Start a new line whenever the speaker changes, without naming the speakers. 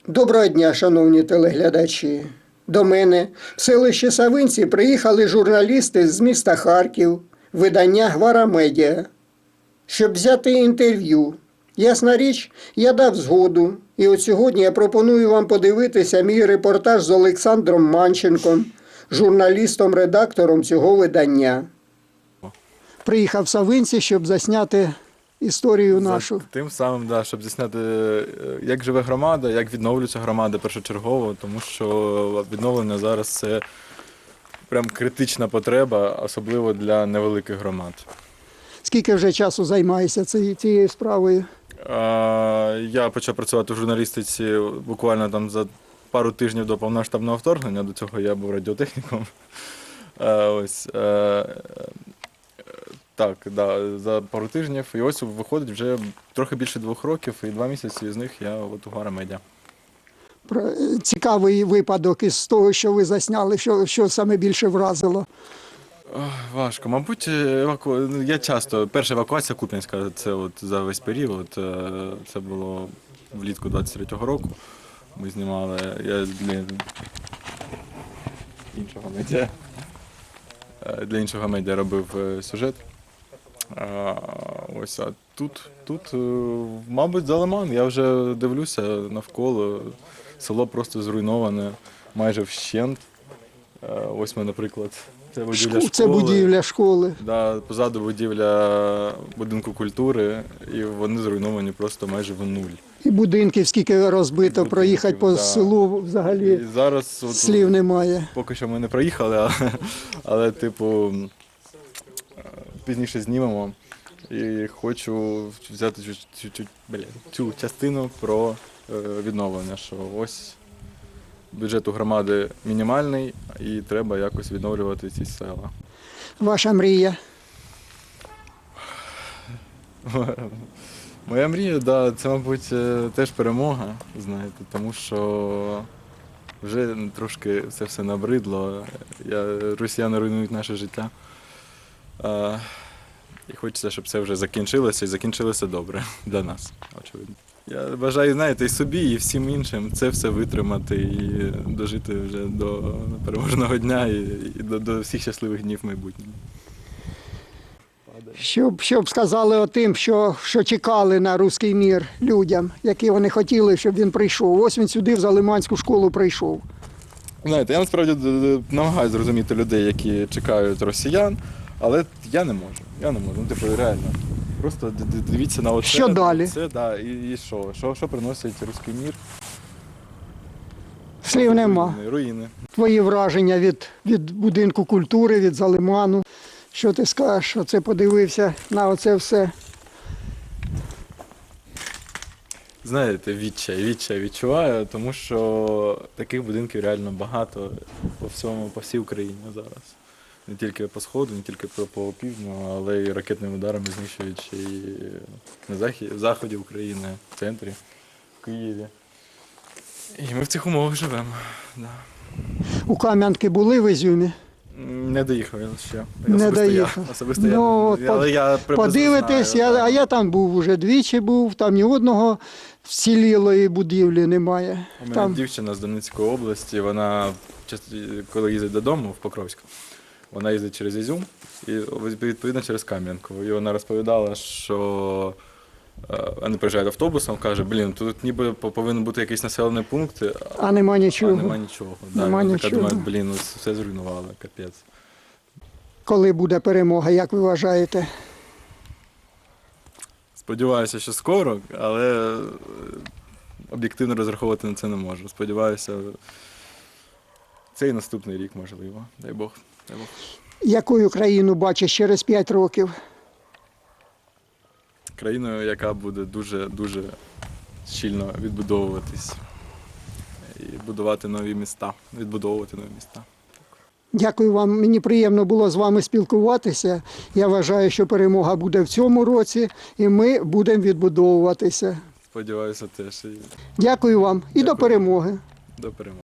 Доброго дня, шановні телеглядачі. До мене в селище Савинці приїхали журналісти з міста Харків, видання «Гвара Медіа», щоб взяти інтерв'ю. Ясна річ, я дав згоду. І от сьогодні я пропоную вам подивитися мій репортаж з Олександром Манченком, журналістом-редактором цього видання. Приїхав в Савинці, щоб засняти історію нашу.
Тим самим, да, щоб засняти, як живе громада, як відновлюється громада першочергово, тому що відновлення зараз це прям критична потреба, особливо для невеликих громад.
Скільки вже часу займаєшся цією справою?
Я почав працювати в журналістиці буквально там за пару тижнів до повномасштабного вторгнення, до цього я був радіотехніком. Так, да, за пару тижнів. І ось виходить вже трохи більше 2 років, і 2 місяці з них я от у «Гвара Медіа».
Цікавий випадок із того, що ви засняли, що саме більше вразило.
Важко. Мабуть, я часто, перша евакуація Куп'янська, це от за весь період, це було влітку 23-го року. Ми знімали, я для іншого медіа робив сюжет. Ось, а тут, мабуть, за Лиман. Я вже дивлюся навколо, село просто зруйноване, майже вщент. Ось ми, наприклад, це будівля школи.
Це будівля школи.
Да, позаду будівля будинку культури, і вони зруйновані просто майже в нуль.
І будинків скільки розбито, проїхати по селу взагалі
і зараз,
слів немає.
Поки що ми не проїхали, але типу, пізніше знімемо. І хочу взяти цю частину про відновлення, що ось бюджет у громади мінімальний і треба якось відновлювати ці села.
Ваша мрія?
Моя мрія, да, це, мабуть, теж перемога, знаєте, тому що вже трошки це все набридло. Росіяни руйнують наше життя. І хочеться, щоб це вже закінчилося і закінчилося добре для нас, очевидно. Я бажаю, знаєте, і собі, і всім іншим це все витримати і дожити вже до переможного дня і до всіх щасливих днів в майбутньому.
Щоб сказали тим, що чекали на руський мір людям, які вони хотіли, щоб він прийшов. Ось він сюди, в Залиманську школу прийшов.
Знаєте, я насправді намагаюся зрозуміти людей, які чекають росіян, але я не можу. Ну, типу, реально. Просто дивіться на оце.
Що далі?
Це, да, і що? Що приносить руський мір?
Слів нема.
Руїни.
Твої враження від будинку культури, від Залиману. Що ти скажеш? Оце подивився на оце все.
Знаєте, відчай відчуваю, тому що таких будинків реально багато по всій Україні зараз. Не тільки по Сходу, не тільки по півдню, але й ракетними ударами знищують і на заході України, в центрі, в Києві. І ми в цих умовах живемо. Да.
У Кам'янки були в Ізюмі?
Не доїхав я ще.
Не доїхав.
Особисто
Ну,
але я
подивитись,
знаю,
а я там був, уже двічі був, там ні одного вцілілої будівлі немає.
У мене
Там
дівчина з Донецької області, вона, коли їздить додому в Покровськ, вона їздить через Ізюм і, відповідно, через Кам'янку. І вона розповідала, що вони приїжджають автобусом, каже, тут ніби повинен бути якийсь населений пункт,
а нема нічого.
а нема нічого.
Нема
Я
нічого.
така думаю, все зруйнували, капець.
Коли буде перемога, як ви вважаєте?
Сподіваюся, що скоро, але об'єктивно розраховувати на це не можу. Сподіваюся, цей наступний рік, можливо. Дай Бог.
Якою країну бачиш через 5 років?
Країною, яка буде дуже щільно відбудовуватись і будувати нові міста, відбудовувати нові міста.
Дякую вам, мені приємно було з вами спілкуватися. Я вважаю, що перемога буде в цьому році і ми будемо відбудовуватися.
Сподіваюся теж.
Дякую вам і до перемоги.
До перемоги.